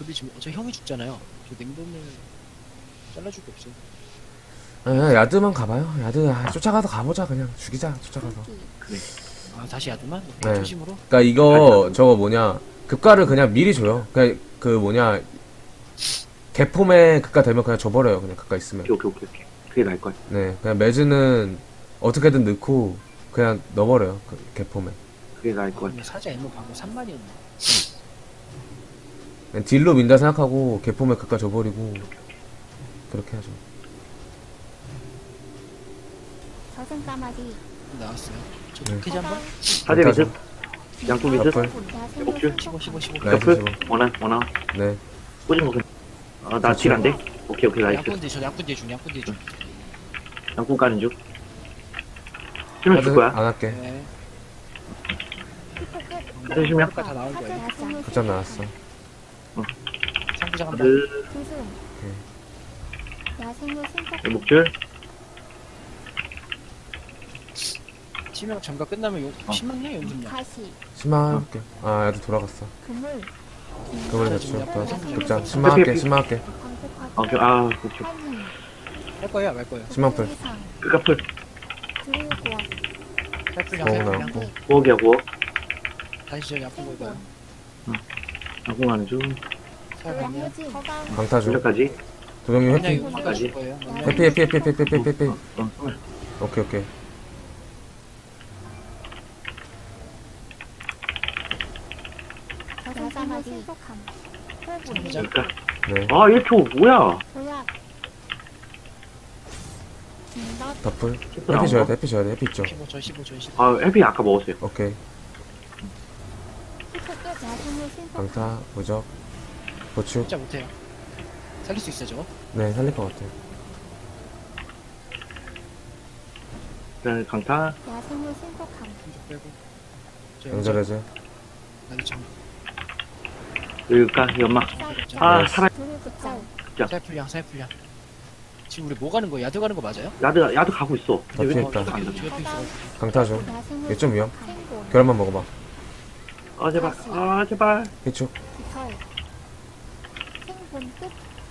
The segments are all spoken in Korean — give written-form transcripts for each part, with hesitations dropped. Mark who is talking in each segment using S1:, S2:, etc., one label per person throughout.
S1: 지금 저 형이 죽잖아요. 저 냉동을 잘라줄 게 없어요.
S2: 아, 야드만 가봐요. 야드 쫓아가서 가보자. 그냥 죽이자. 쫓아가서.
S3: 그래.
S1: 아 다시 야드만?
S2: 네.
S1: 초심으로?
S2: 그러니까 이거 저거 뭐냐 급가를 그냥 미리 줘요. 그냥 그 뭐냐 개폼에 급가 되면 그냥 줘버려요. 그냥 급가 있으면.
S3: 오케이. 그게 나을 것 같아.
S2: 네. 그냥 매즈는 어떻게든 넣고 그냥 넣어버려요. 그 개폼에.
S3: 그게 나을 것 같아.
S1: 근데 사자 엠모 방금 3만이었네.
S2: 그냥 딜로 민다 생각하고 개폼에 급가 줘버리고 그렇게 하죠.
S4: 저승 까마귀
S1: 나왔어요. 저
S2: 네.
S1: 캐지 한번?
S3: 사제 미드, 양쪽 미드,
S2: 러플.
S4: 야생의
S3: 오케이.
S4: 신속함
S1: 15.
S2: 나이스
S3: 러플,
S2: 15.
S3: 원한.
S2: 네.
S3: 꽂은 거 그냥. 아, 나 딜 안 돼? 오케이, 나이스.
S1: 양꾼 저 양꾼 뒤에 중.
S3: 양꾼 까는 중. 치면 줄 거야.
S2: 안 할게.
S1: 네.
S3: 사제 실명.
S1: 다 나올 거예요.
S4: 야생의
S2: 급장 나왔어.
S1: 상부장 한번.
S3: 그,
S4: 조승 야생의 신속함
S3: 목줄.
S1: 치명 잠깐 끝나면 용 10만이야 연습량.
S4: 가시
S2: 심화할게. 아, 야드 돌아갔어.
S4: 그물
S2: 그걸
S1: 자,
S2: 대충
S1: 지금
S2: 또
S1: 약간
S2: 급장. 심화할게. 심화할게.
S3: 오케이, 아, 목줄.
S4: 환희
S1: 할 거예요, 말 거예요.
S2: 10만 풀.
S3: 끝까풀.
S4: 드루구워
S1: 살풀량
S2: 고마워.
S1: 살풀량.
S3: 구억이야, 구억.
S1: 다시 저 양꾼 볼까요?
S3: 양꾼 가는 중.
S1: 살풀량.
S4: 양무지 허강
S2: 강타 줘.
S3: 여기까지.
S2: 도경님
S1: 그냥
S2: 회피.
S1: 이거 바꿔줄 거예요.
S2: 회피.
S3: 어,
S2: 오케이.
S4: 저승 까마귀 신속함 호분
S1: 상부장.
S3: 그러니까.
S2: 네.
S3: 아, 1초, 뭐야?
S4: 도약 진덧
S2: 더풀. 회피 줘야 돼. 회피 있죠.
S1: 15.
S3: 아, 해피 아까 먹었어요.
S2: 오케이.
S4: 피크끝 야생의 신속함
S2: 강타, 무적, 보충.
S1: 진짜 못해요. 살릴 수 있어요, 저거?
S2: 네, 살릴 것 같아요.
S3: 일단 강타.
S4: 야생의 신속함
S1: 공격 빼고. 저
S2: 연결해제.
S1: 나도 참.
S3: 여기까지 연막.
S4: 쌀
S3: 아,
S2: 나이스.
S3: 살아.
S4: 드루구짤
S1: 살풀량. 지금 우리 뭐 가는 거예요? 야드 가는 거 맞아요?
S3: 야드 가고 있어. 근데 왜
S2: 있다.
S3: 안 돼?
S1: 저 옆에 있어.
S2: 강타 줘.
S4: 야생의
S2: 이게 좀 위험.
S4: 신속함. 생곤
S2: 계란만 먹어봐.
S3: 아, 제발.
S2: 피축.
S4: 깃털 생본 끝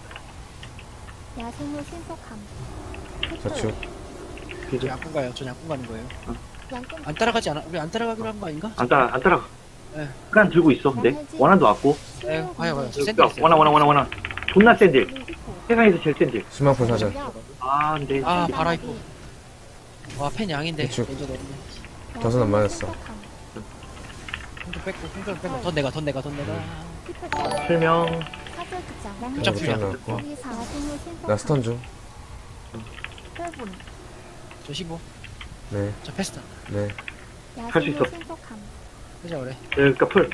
S4: 야생의 신속함
S2: 저축.
S1: 저 양꾼 가요. 저 양꾼 가는 거예요.
S4: 양꾼
S1: 안 따라가지 않아? 우리 안 따라가기로 한 거 아닌가?
S3: 안 따라가.
S1: 네.
S3: 그냥 들고 있어, 근데. 원한도 왔고.
S1: 네, 가요. 저
S3: 야,
S1: 샌드 있어요.
S3: 원한. 존나 센 딜. 세상에서 제일 센 딜.
S2: 10만 풀 사자.
S3: 아, 근데.
S1: 아, 바라 있고. 와, 펜 양인데.
S2: 그쵸.
S1: 먼저 넣었네.
S2: 덫은 안 맞았어.
S1: 홍조 빼고. 돈 내가.
S3: 실명.
S1: 급장
S2: 네,
S1: 풀량.
S2: 나왔고. 나 스턴 중.
S1: 저 15.
S2: 네.
S1: 저 패스타.
S2: 네.
S3: 할수 있어.
S1: 하자 그래.
S3: 그러니까 풀.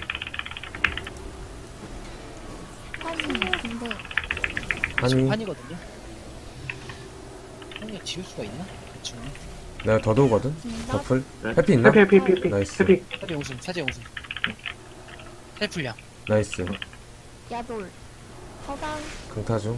S2: 한이.
S1: 판이거든요. 형이 지울 수가 있나? 대충.
S2: 내가 더도우거든. 더풀.
S3: 네.
S2: 해피 있나?
S3: 해피.
S2: 나이스.
S3: 해피.
S1: 사제 용순. 살풀량.
S2: 나이스.
S4: 야돌 허강
S2: 강타 중.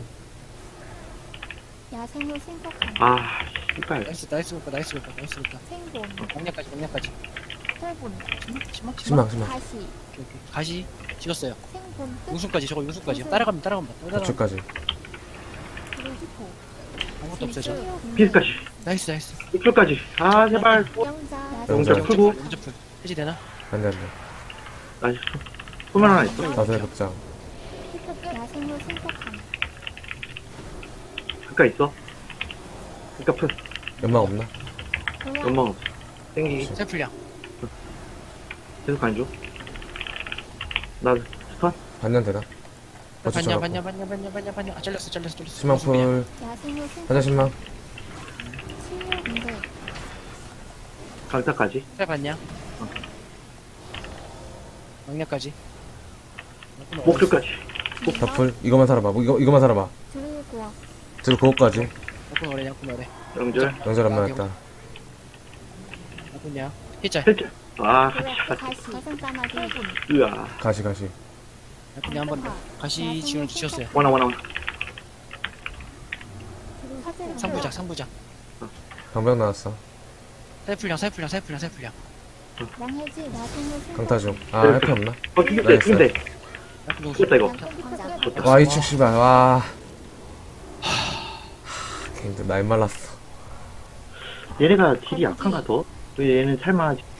S4: 야생의 신속함
S3: 아, 씨발.
S1: 나이스 볼까.
S4: 생본
S1: 명량까지.
S4: 호분
S2: 심망.
S4: 가시
S1: 오케이. 가시 찍었어요.
S4: 생본 끝
S1: 용순까지. 저거 용순까지. 따라가면.
S2: 저축까지.
S4: 그리고
S1: 아무것도 없어요. 저.
S3: 피스까지.
S1: 나이스.
S3: 이쪽까지. 아, 제발.
S4: 영자
S3: 영자
S2: 영자.
S3: 풀고.
S1: 용접풀. 해지 되나?
S2: 안 돼.
S3: 나이스. 소면 하나 있어.
S2: 다섯의 급장.
S4: 야생의 신속함
S3: 그니까 있어. 그니까 풀.
S2: 연막 없나?
S4: 도약
S3: 연막 없어. 땡기기.
S1: 살풀량.
S3: 계속 가는 중. 나 스턴.
S2: 반년 되나? 버츠 쳐갖고.
S1: 반냐. 아, 잘렸어.
S2: 10만 풀.
S4: 야생의 신속함
S2: 사자 10만.
S4: 치유인대
S3: 강타까지.
S1: 살 봤냐? 명량까지.
S3: 목줄까지.
S2: 더풀. 이거만 살아봐. 이거만 살아봐.
S4: 드루구워
S2: 들어 그거까지.
S1: 양꾼 오래.
S3: 영절.
S2: 연설 안 맞았다.
S1: 양꾼이야. 히짤.
S3: 헬짤. 아,
S4: 도약 가시 저승 까마귀 호분
S3: 으아.
S2: 가시.
S1: 양꾼이 한번 가시 지원을 주셨어요.
S3: 원아.
S1: 상부작.
S2: 방병 나왔어.
S1: 살풀량.
S4: 양해지 야생의
S2: 강타 중.
S4: 신속함
S2: 아, 해피 없나?
S3: 죽였대.
S1: 양꾼 용순.
S3: 죽였다, 이거.
S4: 양꾼 피크끝
S2: 와, 이 축, 씨발, 와. 걔들 나이 말랐어.
S3: 얘네가 딜이 약한가 더? 또 얘는 살만하지.